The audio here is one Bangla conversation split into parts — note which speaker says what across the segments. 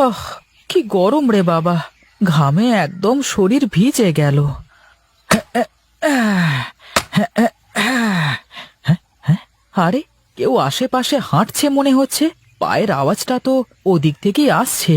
Speaker 1: কি গরম রে বাবা, ঘামে একদম শরীর ভিজে গেল। আরে, কেউ আশেপাশে হাঁটছে মনে হচ্ছে। পায়ের আওয়াজটা তো ওদিক থেকেই আসছে।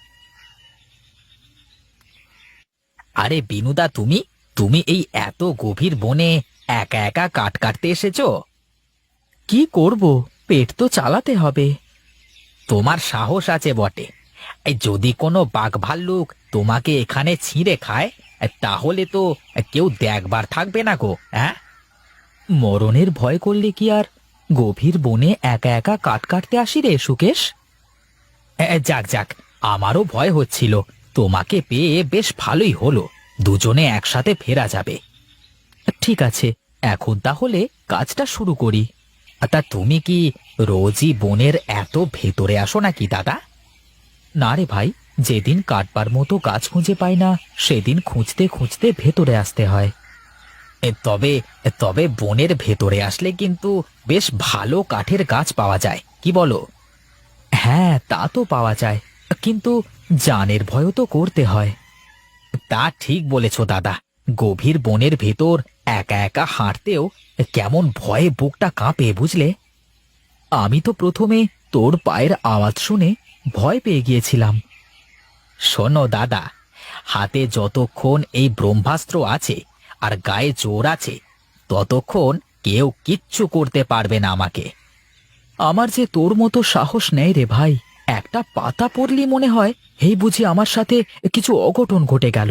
Speaker 2: আরে বিনুদা, তুমি তুমি এই এত গভীর বনে একা একা কাঠ কাটতে এসেছো?
Speaker 1: কি করব, পেট তো চালাতে হবে।
Speaker 2: তোমার সাহস আছে বটে। এই যদি কোনো বাঘ ভাল্লুক তোমাকে এখানে ছিঁড়ে খায়, তাহলে তো কেউ দেখবার থাকবে না গো। হ্যাঁ,
Speaker 1: মরণের ভয় করলে কি আর গভীর বনে একা একা কাঠ কাটতে আসি রে সুকেশ?
Speaker 2: যাক যাক, আমারও ভয় হচ্ছিল। তোমাকে পেয়ে বেশ ভালোই হলো, দুজনে একসাথে ফেরা যাবে।
Speaker 1: ঠিক আছে, এখন তাহলে কাজটা শুরু করি।
Speaker 2: তা তুমি কি রোজই বনের এত ভেতরে আসো নাকি দাদা?
Speaker 1: না রে ভাই, যেদিন কাটবার মতো গাছ খুঁজে পাই না, সেদিন খুঁজতে খুঁজতে ভেতরে আসতে হয়।
Speaker 2: তবে তবে বনের ভেতরে আসলে কিন্তু বেশ ভালো কাঠের গাছ পাওয়া যায়, কি বলো?
Speaker 1: হ্যাঁ, তা তো পাওয়া যায়, কিন্তু জানের ভয়ও তো করতে হয়।
Speaker 2: তা ঠিক বলেছ দাদা। গভীর বনের ভেতর একা একা হাঁটতেও কেমন ভয়ে বুকটা কাঁপে, বুঝলে?
Speaker 1: আমি তো প্রথমে তোর পায়ের আওয়াজ শুনে ভয় পেয়ে গিয়েছিলাম।
Speaker 2: শোনো দাদা, হাতে যতক্ষণ এই ব্রহ্মাস্ত্র আছে আর গায়ে জোর আছে, ততক্ষণ কেউ কিচ্ছু করতে পারবে না আমাকে।
Speaker 1: আমার যে তোর মতো সাহস নেই রে ভাই। একটা পাতা পড়লি মনে হয় এই বুঝি আমার সাথে কিছু অঘটন ঘটে গেল।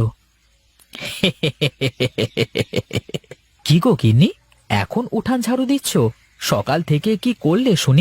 Speaker 1: কি গো গিন্নি, এখন উঠান ঝাড়ু দিচ্ছ? সকাল থেকে কি করলে শুনি?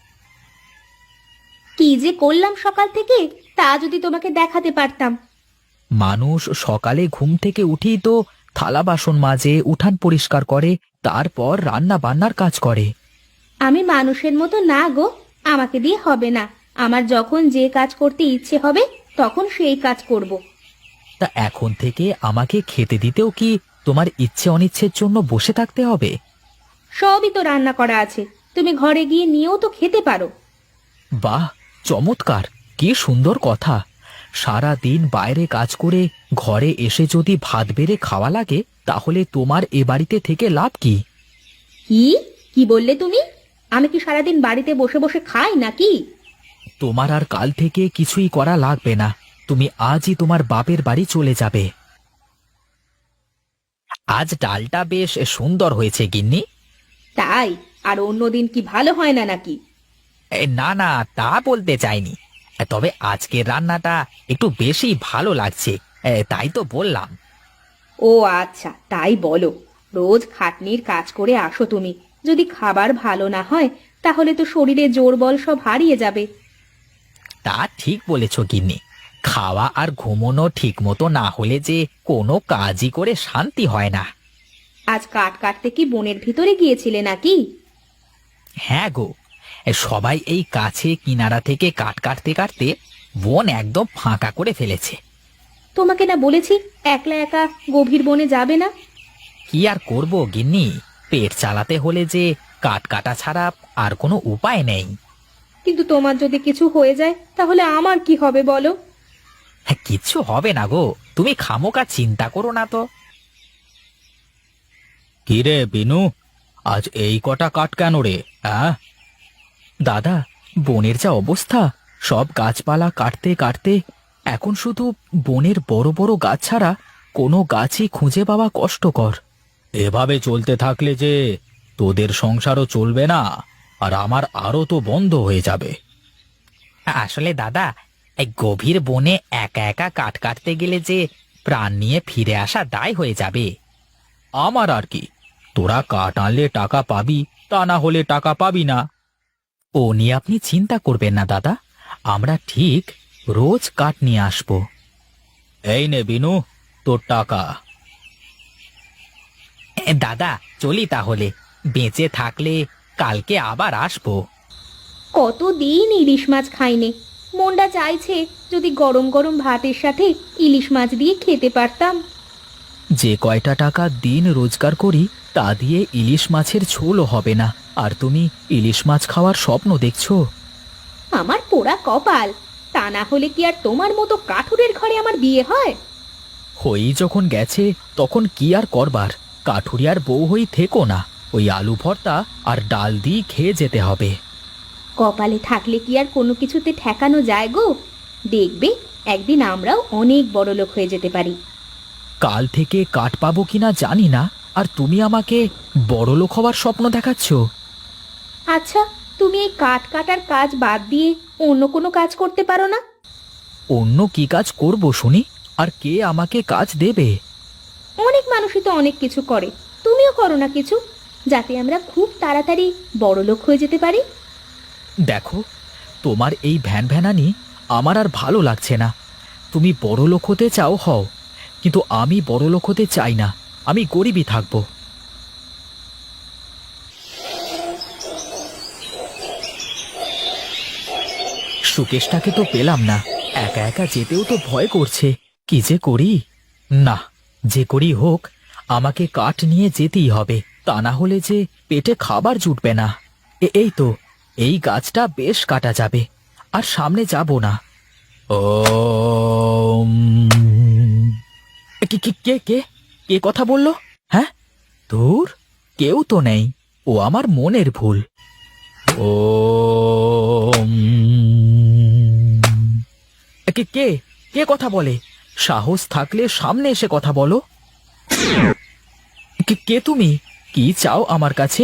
Speaker 3: কি যে করলাম সকাল থেকে, তা যদি তোমাকে দেখাতে পারতাম।
Speaker 1: মানুষ সকালে ঘুম থেকে উঠেই তো থালা বাসন মাজে, উঠান পরিষ্কার করে, তারপর রান্না বান্নার কাজ করে।
Speaker 3: আমি মানুষের মতো না গো, আমাকে দিয়ে হবে না। আমার যখন যে কাজ করতে ইচ্ছে হবে তখন সেই কাজ করব।
Speaker 1: তা এখন থেকে আমাকে খেতে দিতেও কি তোমার ইচ্ছে অনিচ্ছের জন্য বসে থাকতে হবে?
Speaker 3: সবই তো রান্না করা আছে, তুমি ঘরে গিয়ে নিয়েও তো খেতে পারো।
Speaker 1: বাহ, চমৎকার! কি সুন্দর কথা। সারা দিন বাইরে কাজ করে ঘরে এসে যদি ভাত বেড়ে খাওয়া লাগে, তাহলে তোমার এ বাড়িতে থেকে লাভ কি?
Speaker 3: কি কি বললে তুমি? আমি কি সারাদিন বাড়িতে বসে বসে খাই নাকি?
Speaker 1: তোমার আর কাল থেকে কিছুই করা লাগবে না। তুমি আজই তোমার বাপের বাড়ি চলে যাবে।
Speaker 2: আজ ডালটা বেশ সুন্দর হয়েছে গিন্নি।
Speaker 3: তাই? আর অন্যদিন কি ভালো হয় না নাকি?
Speaker 2: না না, তা বলতে চাইনি। তবে আজকের রান্নাটা একটু বেশি ভালো লাগছে, তাই তো বললাম।
Speaker 3: ও আচ্ছা, তাই বলো। রোজ খাটনির কাজ করে আসো তুমি, যদি খাবার ভালো না হয় তাহলে তো শরীরে জোর বল সব হারিয়ে যাবে।
Speaker 2: তা ঠিক বলেছ গিন্নি। খাওয়া আর ঘুমোনো ঠিক মতো না হলে যে কোনো কাজই করে শান্তি হয় না।
Speaker 3: আজ কাঠ কাটতে কি বনের ভিতরে গিয়েছিলে নাকি?
Speaker 2: হ্যাঁ গো, সবাই এই কাছে কিনারা থেকে কাঠ কাটতে কাটতে বন একদম ফাঁকা করে ফেলেছে।
Speaker 3: তোমাকে না বলেছি একলা একা গভীর বনে যাবে না?
Speaker 2: কি আর করব গিন্নি, পেট চালাতে হলে যে কাঠ কাটা ছাড়া আর কোনো উপায় নেই।
Speaker 3: কিন্তু তোমার যদি কিছু হয়ে যায় তাহলে আমার কি হবে বলো?
Speaker 2: হ্যাঁ, কিচ্ছু হবে না গো, তুমি খামোকা চিন্তা করো না তো।
Speaker 1: কিরে বিনু, আজ এই কটা কাঠ কেন রে? দাদা, বনের যা অবস্থা, সব গাছপালা কাটতে কাটতে এখন শুধু বনের বড় বড় গাছ ছাড়া কোনো গাছই খুঁজে পাওয়া কষ্টকর। এভাবে চলতে থাকলে যে তোদের সংসারও চলবে না, আর আমার আরও তো বন্ধ হয়ে যাবে।
Speaker 2: আসলে দাদা, এই গভীর বনে একা একা কাঠ কাটতে গেলে যে প্রাণ নিয়ে ফিরে আসা দায় হয়ে যাবে।
Speaker 1: আমার আর কি, তোরা কাঠ আনলে টাকা পাবি, তা না হলে টাকা পাবি না। ও নিয়ে আপনি চিন্তা করবেন না দাদা, আমরা ঠিক রোজ কাঠ নিয়ে আসব। এই নে বিনু, তোর টাকা।
Speaker 2: দাদা, চলি তাহলে। বেঁচে থাকলে কালকে আবার আসবো।
Speaker 3: কতদিন ইলিশ মাছ খাইনে, মনটা চাইছে যদি গরম গরম ভাতের সাথে ইলিশ মাছ দিয়ে খেতে পারতাম।
Speaker 1: যে কয়টা টাকা দিন রোজগার করি তা দিয়ে ইলিশ মাছের ঝোলও হবে না, আর তুমি ইলিশ মাছ খাওয়ার স্বপ্ন দেখছো?
Speaker 3: আমার পোড়া কপাল, তা না হলে কি আর তোমার মতো কাঠুরের ঘরে আমার বিয়ে হয়?
Speaker 1: হয়েই যখন গেছে তখন কি আর করবার, কাঠুরিয়ার বউ হই থেকো না, ওই আলু ভর্তা আর ডাল দিয়ে খেয়ে যেতে হবে।
Speaker 3: কপালে থাকলে কি আর কোনো কিছুতে ঠেকানো যায় গো? দেখবে একদিন আমরাও অনেক বড় লোক হয়ে যেতে পারি।
Speaker 1: কাল থেকে কাঠ পাবো কিনা জানি না, আর তুমি আমাকে বড়লোক হওয়ার স্বপ্ন দেখাচ্ছ।
Speaker 3: আচ্ছা, তুমি এই কাঠ কাটার কাজ বাদ দিয়ে অন্য কোনো কাজ করতে পারো না?
Speaker 1: অন্য কি কাজ করব শুনি, আর কে আমাকে কাজ দেবে?
Speaker 3: অনেক মানুষই তো অনেক কিছু করে, তুমিও করো না কিছু, যাতে আমরা খুব তাড়াতাড়ি বড় লোক হয়ে যেতে পারি।
Speaker 1: দেখো, তোমার এই ভ্যান ভ্যানানি আমার আর ভালো লাগছে না। তুমি বড়লোক হতে চাও হও, কিন্তু আমি বড়লোক হতে চাই না, আমি গরিবই থাকবো। সুকেশটাকে তো পেলাম না, একা একা যেতেও তো ভয় করছে, কি যে করি। না, যে করি হোক, আমাকে কাঠ নিয়ে যেতেই হবে, তা না হলে যে পেটে খাবার জুটবে না। এই তো, এই গাছটা বেশ কাটা যাবে, আর সামনে যাব না। ও কে কে কে কে কে কথা বললো? হ্যাঁ, দূর, কেউ তো নেই, ও আমার মনের ভুল। ও কে কে কে কথা বলে? সাহস থাকলে সামনে এসে কথা বলো। কে কে তুমি? কি চাও আমার কাছে?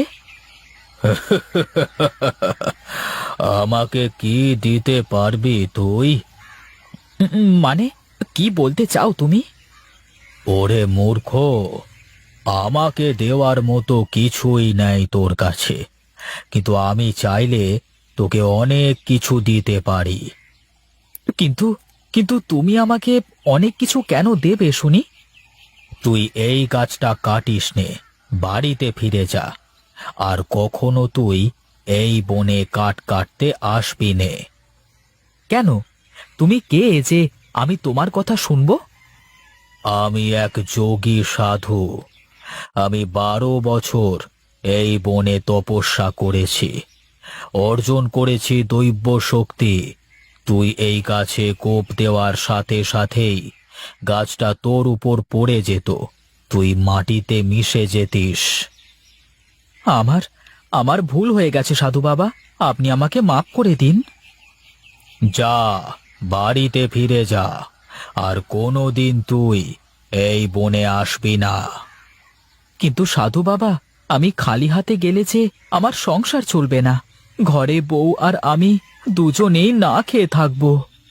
Speaker 1: আমাকে কি দিতে পারবি তুই? মানে, কি বলতে চাও তুমি? ওরে মূর্খ, আমাকে দেওয়ার মতো কিছুই নাই তোর কাছে, কিন্তু আমি চাইলে তোকে অনেক কিছু দিতে পারি। কিন্তু কিন্তু তুমি আমাকে অনেক কিছু কেন দেবে শুনি? তুই এই গাছটা কাটিস নে, বাড়িতে ফিরে যা, আর কখনো তুই এই বনে কাঠ কাটতে আসবি নে। কেন? তুমি কে যে আমি তোমার কথা শুনবো? আমি এক যোগী সাধু। আমি 12 বছর এই বনে তপস্যা করেছি, অর্জন করেছি দৈব শক্তি। তুই এই গাছে কোপ দেওয়ার সাথে সাথেই গাছটা তোর উপর পড়ে যেত, তুই মাটিতে মিশে যেতিস। আমার আমার ভুল হয়ে গেছে সাধু বাবা, আপনি আমাকে মাফ করে দিন। যা, বাড়িতে ফিরে যা, আর কোনোদিন তুই এই বনে আসবি না। কিন্তু সাধু বাবা, আমি খালি হাতে গেলে যে আমার সংসার চলবে না, ঘরে বউ আর আমি দুজনেই না খেয়ে থাকবো।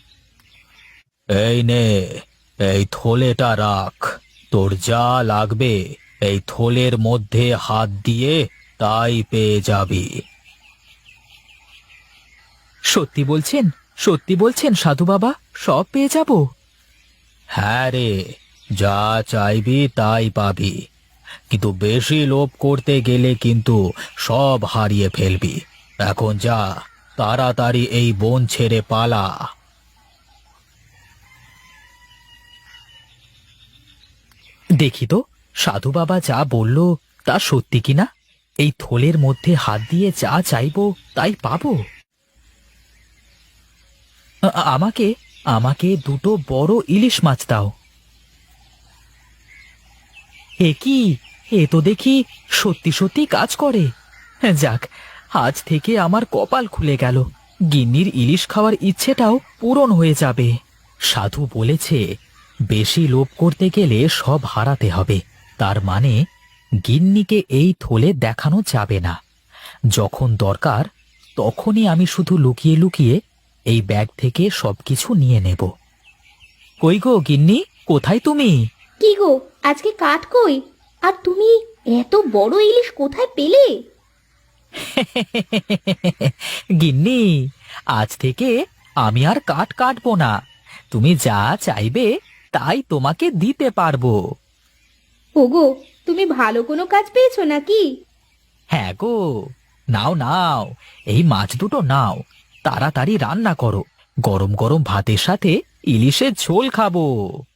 Speaker 1: এই নে, এই থলেটা রাখ, তোর যা লাগবে এই থলের মধ্যে হাত দিয়ে তাই পেয়ে যাবি। সত্যি বলছেন? সত্যি বলছেন সাধু বাবা, সব পেয়ে যাব? হ্যাঁ রে, যা চাইবি তাই পাবি, কিন্তু বেশি লোভ করতে গেলে কিন্তু সব হারিয়ে ফেলবি। এখন যা, তাড়াতাড়ি এই বন ছেড়ে পালা। দেখি তো, সাধু বাবা যা বলল তা সত্যি কিনা। এই থলের মধ্যে হাত দিয়ে যা চাইবো তাই পাবো। আমাকে আমাকে 2টো বড় ইলিশ মাছ দাও। এ কি, এ তো দেখি সত্যি সত্যি কাজ করে। যাক, আজ থেকে আমার কপাল খুলে গেল, গিন্নির ইলিশ খাওয়ার ইচ্ছেটাও পূরণ হয়ে যাবে। সাধু বলেছে বেশি লোভ করতে গেলে সব হারাতে হবে, তার মানে গিন্নিকে এই থলে দেখানো যাবে না। যখন দরকার তখনই আমি শুধু লুকিয়ে লুকিয়ে এই ব্যাগ থেকে সবকিছু নিয়ে নেব। কই গো গিন্নি, কোথায় তুমি?
Speaker 3: কি গো, আজকে কাঠ কই? আর তুমি এত বড় ইলিশ কোথায় পেলে?
Speaker 1: গিন্নি, আজ থেকে আমি আর কাঠ কাটবো না, তুমি যা চাইবে তাই তোমাকে দিতে পারবো।
Speaker 3: ওগো, তুমি ভালো কোনো কাজ পেয়েছো নাকি?
Speaker 1: হ্যাঁ গো, নাও নাও, এই মাছ দুটো নাও, তাড়াতাড়ি রান্না করো, গরম গরম ভাতের সাথে ইলিশের ঝোল খাবো।